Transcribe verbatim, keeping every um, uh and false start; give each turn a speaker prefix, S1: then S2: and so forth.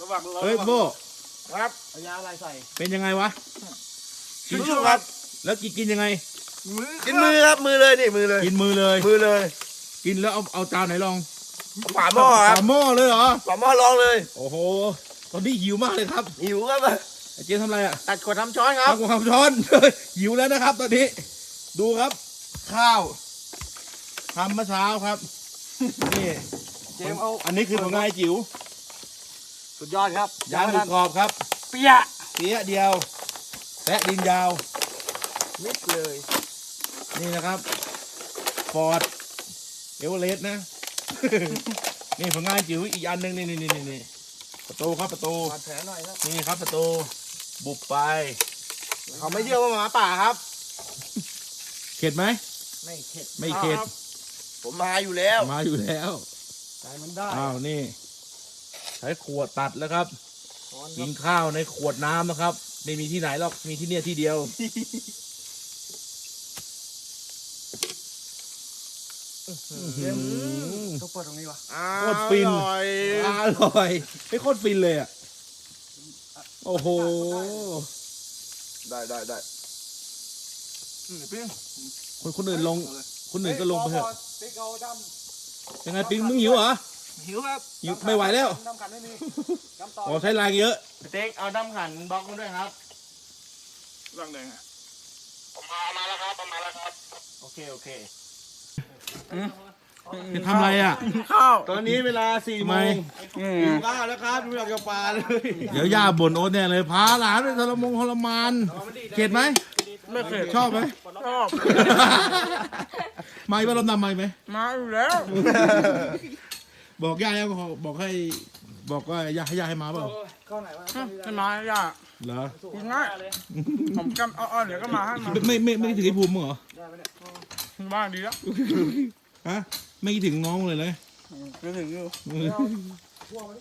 S1: วัง
S2: เฮ้ยโบ
S1: ครับ
S3: เอายาอะไรใส่
S2: เป็นยังไงวะ
S1: กินครับ
S2: แล้วกินกินยังไง
S1: กินมือครับมือเลยนี่มือเลย
S2: กินมือเลย
S1: มือเลย
S2: กินแล้วเอาเอาจานไหนลอง
S1: ฝาหม้อครับ
S2: ฝาหม้อเลยเหรอ
S1: ฝาหม้อลองเลย
S2: โอ้โหตอนนี้หิวมากเลยครับ
S1: หิวครับ
S2: ไอ้เจ๊ทำอะไรอ่ะ
S1: ตัดขวดทำช้อนครับ
S2: ทำกับข้าวช้อน หิวแล้วนะครับ ตอนนี้ ดูครับ ข้าวทำเมื่อเช้าครับนี่
S1: เจมเอา
S2: อันนี้คือผลงานไอ้จิ๋ว
S1: สุดยอดครับ
S2: ยางหมูกรอบครับ
S1: เปียะ
S2: เสียเดียวแตะดินยาว
S1: มิดเลย
S2: นี่นะครับฟอร์ดเอเวอเรสต์นะ นี่ผลงานจิ๋วอีกอันหนึ่งนี่นี่นี่นี่ประตูครับประตู
S1: บาดแผลหน่อยครับ
S2: นี่ครับประตูบุบไป
S1: เขาไม่เชื่อว่าหมาป่าครับ
S2: เข็ดไหม
S3: ไม่เข็ด
S2: ไม่เข็ด
S1: ผมมาอยู่แล้ว
S2: มาอยู่แล้ว
S3: ใจมันได้
S2: อ้าวนี่ใช้ขวดตัดแล้วครับ
S3: ช้อนค
S2: กิ
S3: รับ
S2: นข้าวในขวดน้ำนะครับ ไม่มีที่ไหนหรอกมีที่เนี่ยที่เดียว
S3: เจมต้องเปิดตรงนี้วะ
S2: โคตรฟิน
S1: อร่อย
S2: อร่อยไม่โคตรฟินเลยอ่ะโอ้โห
S1: ได้ได้ได้
S2: คนคนอื่นลง คนอื่นก็ลงไปเถอะ
S3: ติ๊กเอาด
S2: ยังไงปิ๊งมึงหิวเหรอ
S1: หิวครับ
S2: หิวไม่ไหวแล้ว
S3: ำดำขันไม่มีดำต่อ
S2: อ๋อใช้แรงเยอะ
S1: เต็กเอาน้ำขันบล็อกมาด้วยครับ
S3: ร่างแดงอ่ะ
S1: ผมเอามาแล้วครับเอามาแล้วครับ
S3: โอเคโอเค
S2: จะทำอะไรอ่ะ
S1: ข้าว
S3: ตอนนี้เวลาสี่
S2: ทำ
S3: โม
S2: ไม
S3: งหิวข้าวแล้วครับดูอยากจะปลาเลย
S2: เดี๋ยวย่าบ่นโอ๊ตเนี่ยเลยพาหลานไปทรมงทรมานเข็ดไหม
S3: ไม่เข็ด
S2: ชอบไหม
S3: ชอบ
S2: มาอีกว่ารอบนำมาอีกไหม
S3: มาอยู่แล้ว
S2: บอกย่าแล้วบอกให้ บอกว่าย่าให้ย่าให้มาเปล่า
S3: เข้าไหนวะ
S4: ให้มาย่า
S2: เหรอ
S4: กินง่ายผมกำอ้อนๆเดี๋ยวก็มาให้มา
S2: ไม่ไม่ไม่คิดถึงไอ้ภูมิมึงเหรอ
S4: บ้านดีแล้ว
S2: ฮะไม่คิดถึงน้องเลยเลย
S4: จะถึงอยู่